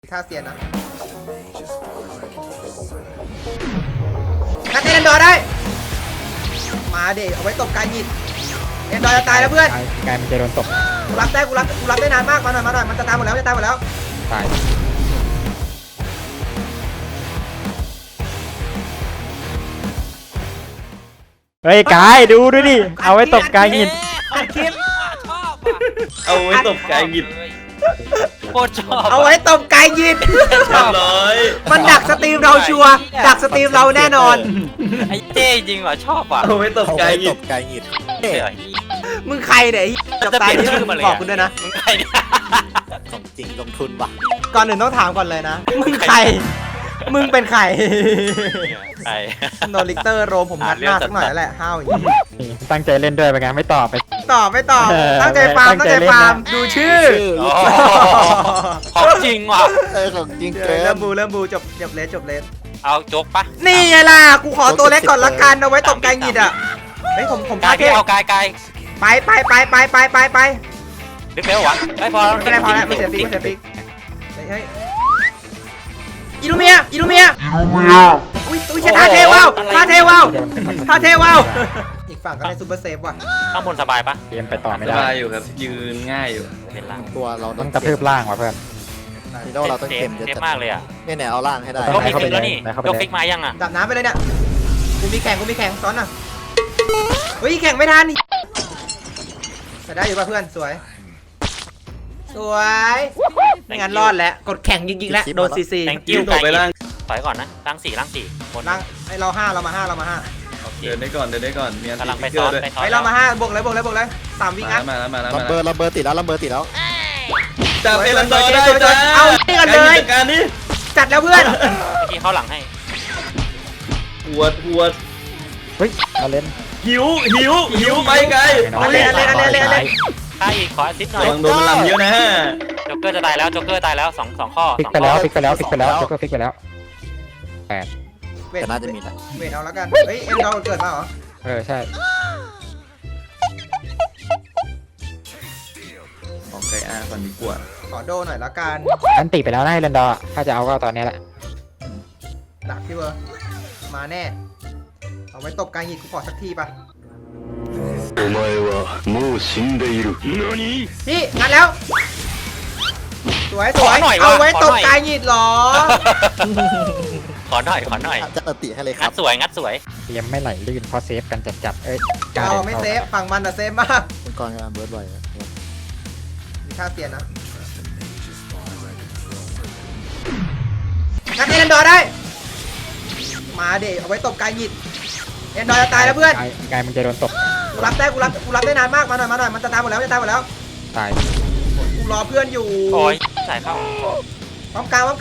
ท่าเซียนนะนัดเอ็นดอร์ได้มาเด็เอาไว้ตบกายหยิดเอ็นดอร์จะตายแล้วเพื่อนกายมันจะโดนตบกูรับได้นานมากมาหน่อยมันจะตายหมดแล้วตายเฮ้ยกายดูด้วยดิเอาไว้ตบกายหินคลิปเอาไว้ตบกายหยิบโคตรชอบเอาไว้ตบกายหยิดมันดักสตรีมเราชัวร์ดักสตรีมเราแน่นอนไอ้เจ๊จริงเหรอชอบอ่ะเอาไว้ตบกายหยิบมึงใครเนี่ยจับตายนี่มึงบอกคุณด้วยนะมึงใครเนี่ยของจริงลงทุนว่ะก่อนอื่นต้องถามก่อนเลยนะมึงใครมึงเป็นใครใครโนลิเตอร์โรมผมงัดหน้าสักหน่อยแล้วแหละห้าวอย่างนี้ตั้งใจเล่นด้วยเป็นไงไม่ตอบไม่ตอบตั้งใจฟาร์มดูชื่อของจริงว่ะของจริงเกินเริ่มบูจบเลสเอาจกปะนี่ไงล่ะกูขอตัวเล็กก่อนละกันเอาไว้ตบกายหงิดอ่ะเฮ้ยผมกายเอากายไปดึกแล้ววะไม่พอแล้วไม่เสียปีกเฮ้ยอิลูเมียอุ้ยท่าเทวาวอีกฝั่งก็ได้ซูเปอร์เซฟว่ะข้างบนสบายปะเตรียมไปต่อไม่ได้สบายอยู่ครับยืนง่ายอยู่เป็นล่างตัวเราต้องกระทืบล่างว่ะเพื่อนนี่เราต้องเต็มเจ็บมากเลยอ่ะเนี่ยเอาล่างให้ได้ยกฟิกแล้วนี่ยกฟิกมายังอ่ะดับน้ำไปเลยเนี่ยกูมีแข่งซ้อนอ่ะเฮ้ยแข่งไม่ทันแต่ได้อยู่ป่ะเพื่อนสวยไม่งั้นรอดแล้วกดแข่งยิงแล้วโดนซีกิ้วไปล่างถอยก่อนนะล่างสี่บนล่างไอเรา5มา5 เดินได้ก่อนมีอันกำลังไปซ้อนไปเรามา5บวกเลย3วิงัดมาระเบิดติดแล้วจับเอลันดอร์ได้จ้าเอานี่กันเลยการนี้จัดแล้วเพื่อนที่เขาหลังให้หัวเฮ้ยเอาเล่นหิวไปไกลเล่นถ้าอีกขอซิดหน่อยโดนมันลำเยอะนะจ็อกเกอร์จะตายแล้วสองข้อพลิกไปแล้วจ็อกเกอร์พลิกไปแล้ว8 แต่น่าจะมีแหละเวทเอาแล้วกันเฮ้ยเอ็นเราเกิดมาเหรอใช่ของไกอาก่อนดีกว่าขอโดหน่อยแล้วกันอันติไปแล้วนะเรนดอร์ถ้าจะเอาก็ตอนนี้แหละดักพี่เบอร์มาแน่เอาไว้ตบกายหยิดกูขอสักทีป่ะพี่งัดแล้วสวยเอาไว้ตบกายหยิดหรอขอหน่อยจะติให้เลยครังัดสวยเตรียมไม่ไหลลื่นเพราะเซฟกันจัดเราไม่เซฟฝั่งมันอะเซฟมากเป็นกองงานเบิร์ดบ่อยมีท่าเตียนนะงัดเอ็นดอร์ได้มาเด็เอาไว้ตบกายหยิดเอ็นดอร์จะตายแล้วเพื่อนกายมันจะโดนตบกูรับได้นานมากมาหน่อยมันจะตายหมดแล้วตายกูรอเพื่อนอยู่โอ้ยสายเข้าพร้อมกลาง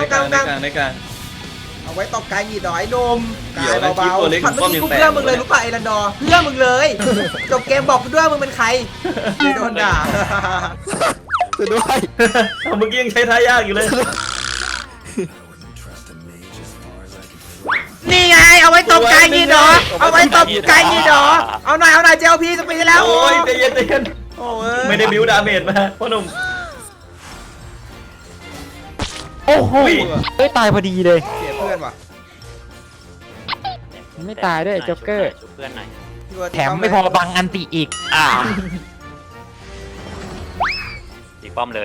เอาไว้ตบกายหยิดหน่อยนมกายเบาๆผัดเมื่อกี้กูเพื่อมึงเลยรู้ป่ะไอรันดอร์เพื่อมึงเลยจบเกมบอกกูด้วยมึงเป็นใครโดนด่าด้วยเมื่อกี้ยังใช้ท่ายากอยู่เลยนี่ไงเอาไว้ตบกายหยิดหรอเอาหน่อยเจลพีจะปีแล้วโอ้ยใจเย็นไม่ได้บิวดาเมจมาพ่อหนุ่มโอ้โหตายพอดีเลยเสียเพื่อนว่ะไม่ตายด้วยจ็อกเกอร์เพื่อนหน่อยแถมไม่พอบังอันติอีกดีป้อมเลย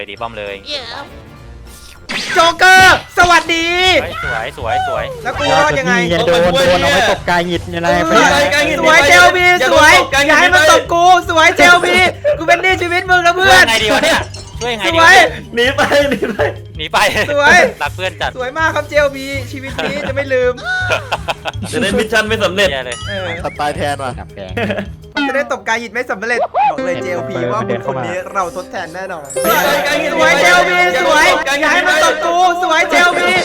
โจ๊กเกอร์สวัสดีสวยแล้วกูรอดยังไงโดนเอาไปตบกายหยิดยังไงสวยเจลพีสวยอย่าให้มันตบกูสวยเจลพีกูเป็นหนี้ชีวิตมึงนะเพื่อนไงดีวะเนี่ยช่วยไงดีหนีไปสวยรักเพื่อนจัดสวยมากครับเจลพีชีวิตนี้จะไม่ลืมจะได้มิชชั่นไม่สำเร็จเลยตายแทนว่ะจะได้ตบกายหยิดไม่สำเร็จบอกเลยเจลพีว่าบุคคลนี้เราทดแทนแน่นอนสวยเจลพีสวยอย่าให้มันตบกูสวยเจลพี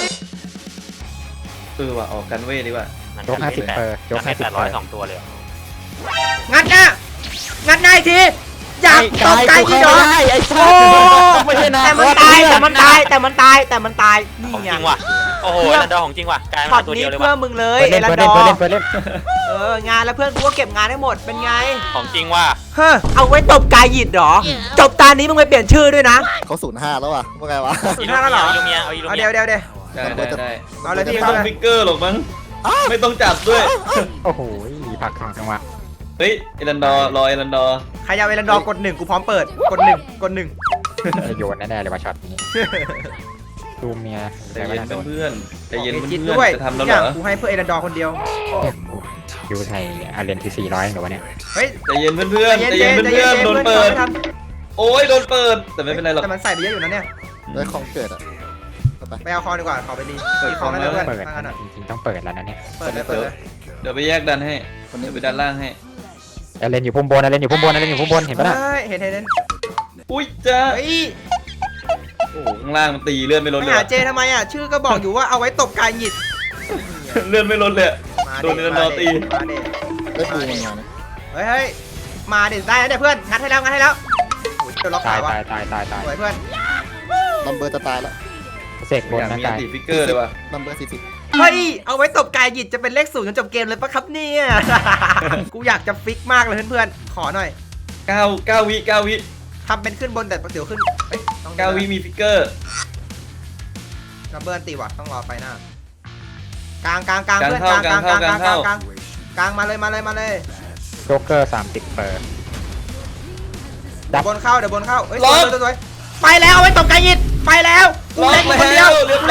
ว่ะออกกันเว้ยดีกว่าโจ๊ก50%โจ๊ก 50%2ตัวเลยงัดหน้าอีกทีอยากตบกายหยิดเหรอโอ้ไม่ใช่นะแต่มันตายนี่ไงจริงว่ะโอ้โหนันดอของจริงว่ะกลายช็อมาตตัวนี้เดียวเลยเพื่อว่ะมึงเลยเปิดเอเล่นรันเปิดดเล่นอเปิดเล่นเปิดเล่นงานแล้วเพื่อนกูก็เก็บงานได้หมดเป็นไงของจริงว่ะเฮ้อเอาไว้ตบกายหยิดเหรอจบตานี้มึงไปเปลี่ยนชื่อด้วยนะเขา05แล้วว่ะว่าไงวะสุดท้ายแล้วเหรออีลูเมียเอาอีลูเอาเมีเดี๋ยยวได้เอาเลยพี่ไม่เอาต้องเลยฟิกเกอร์หรอกมั้งไม่ต้องจับด้วยโอ้โหผักของจังหวะเฮ้ยเอรันดอร์รอเอรันดอร์ใครยาวเอรันดอร์กด 1กูพร้อมเปิดกด 1กด 1 จะโยนแน่ๆเลยว่าช็อตนี้ดูเมียใจแต่ไม่เย็นทันโดนเพื่อนใจเย็นจิตเพื่อนด้วยจะทำทุแล้วกเหอรย่างอกูให้เพื่อเอรันดอร์คนเดียวยูไทยอาเรนที่400หรือวะเนี่ยเฮ้ยใจเย็นเพื่อนใจเย็นเพื่อนโดนเปิดโอ้ยโดนเปิดแต่ไม่เป็นไรหรอกแต่มันใส่ไปเยอะอยู่นะเนี่ยได้ของเกิดอ่ะเอาไปไปเอาคอดีกว่าขอไปดีเปิดมีคอแล้วเพื่อนเปิดทางนั้นอ่ะจริงๆต้องเปิดแล้วนะเนี่ยเปิดเลยเปิดเลยเดี๋ยวไปแยกดันให้คนนี้ไปดันล่างให้อาเรนอยู่พุ่มบนอาเรนอยู่พุ่มบนอาเรนอยู่พุ่มบนเห็นปะน่ะเฮ้ยเห็นอุ้ยจ้าเฮ้ยโอ้โหข้างล่างมันตีเลื่อนไม่ลดไม่เลยหาเจทำไมอ่ะชื่อก็บอกอยู่ว่าเอาไว้ตบกายหยิดเลื่อนไม่ลดเลยมาโดนเอรันดอร์ตีมาเด็ได้ปูมันมานะเฮ้ยมาเด็ดได้แล้วเนี่ยเพื่อนงัดให้แล้วโอ้ยเดี๋ยวล็อกตาขาย ว่ะตายตายตายตายสวยเพื่อนลัมเบอร์จะตายแล้วเสกบนอยากนะมีกายติฟิกเกอร์เลยว่ะลัมเบอร์40 เฮ้ยเอาไว้ตบกายหยิดจะเป็นเลข0จนจบเกมเลยปะครับเนี่ย กูอยากจะฟิกมากเลยเพื่อนๆขอหน่อย 9 วิทำเป็นขึ้นบนแต่เดี๋ยวขึ้นเอ้ยต้อง 9 วิมีฟิกเกอร์นับเบิร์นตีว่ะต้องรอไปหน้ากลางเพื่อนกลางมาเลยโจ๊กเกอร์30เปิดเดี๋ยวบนเข้าเอ้ยสวยไปแล้วเอาไว้ตบกายหยิดไปแล้วกูเล่นมึงคนเดียว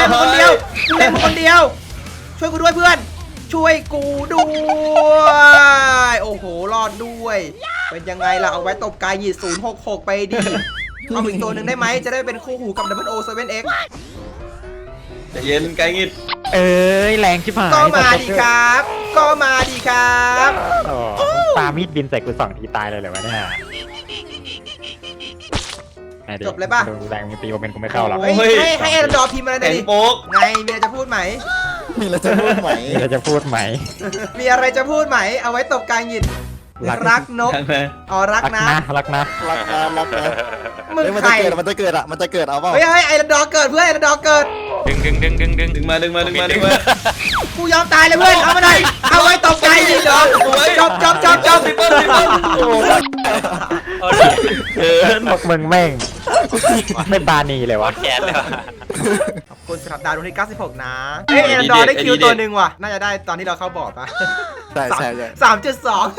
ช่วยกูด้วยเพื่อนช่วยกูด้วยโอ้โหรอดด้วยเป็นยังไงล่ะเอาไว้ตบกายหยิด066ไปดิเอาอีกตัวหนึ่งได้ไหมจะได้เป็นคู่หูกับ 007X ใจเย็นไกลงิดเอ้ยแรงชิบหายก็มาดีครับโอ้ปามีดบินใส่กู2 ทีตายเลยเหรอวะเนี่ยดูแรงมีปีโอเมนกูไม่เข้าหรอกเฮ้ยให้เอรันดอร์พิมพ์อะไรหน่แข็อยงดิโป๊กไงมีอะไรจะพูดไหมมีอะไรจะพูดไหมเราจะพูดไหมมีอะไรจะพูดไหมเอาไว้ตบกายหยิดรักนกทางไหนอ๋อรักนะรักนะรักนะมึงมันใครจะเกิดมันจะเกิดเอาเปล่าเฮ้ยไอรันดอร์เกิดเพื่อนไอรันดอร์เกิดดึงมากูยอมตายเลยเพื่อนเอามาหน่อยเอาไว้ตบกายหยิดเหรอจบซิปเปิ้ลโอ้ยเกินพวกมึงแม่งไม่บานีเลยวะแขนเลยว่ะขอบคุณสำหรับดาวดวงที่96นะเฮ้ยเอรันดอร์ได้คิวตัวหนึ่งว่ะน่าจะได้ตอนที่เราเข้าบอร์ดปะใช่ 3.2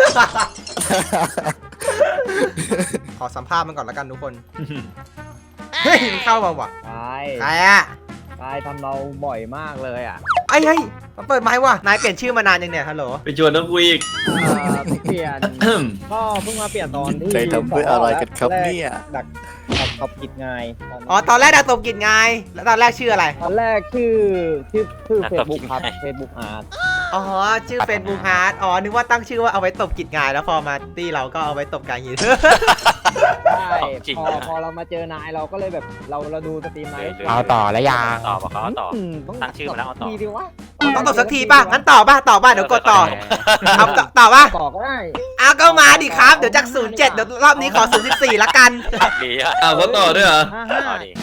ขอสัมภาษณ์มันก่อนแล้วกันทุกคน เฮ้ยมันเข้ามาว่ะตายใครอะตายทำเราบ่อยมากเลยอ่ะเฮ้ยมาเปิดไม้ว่ะนายเปลี่ยนชื่อมานานยังเนี่ยฮัลโหลไปชวนน้องกูอีกเปลี่ยน ก็เพิ่งมาเปลี่ยนตอนที่ใจทำด้วยอะไรกันครับเนี่ยดักขับกิจไงอ๋อตอนแรกดาวตบกิจไงแล้วตอนแรกชื่ออะไรตอนแรกชื่อเฟซบุ๊กครับเฟซบุ๊กอาร์ตอ๋อชื่อเฟซบุ๊กฮาร์ดอ๋อนึกว่าตั้งชื่อว่าเอาไว้ตบกิจไงแล้วพอมาตี้เราก็เอาไว้ตบการยิงใช่พอเรามาเจอนายเราก็เลยแบบเราดูสตรีมนายเอาต่อแล้วยังต่อบอกเขาต่อต้องตั้งชื่อมาแล้วเอาต่อทีดีวะต้องตบสักทีป่ะงั้นต่อป่ะเดี๋ยวกดต่อเอาต่อป่ะต่อก็ได้เอาก็มาดิครับเดี๋ยวจาก07เดี๋ยวรอบนี้ขอ014ละกันดีอ่ะอ้าวเขาต่อด้วยเหรอ 55 ต่อดี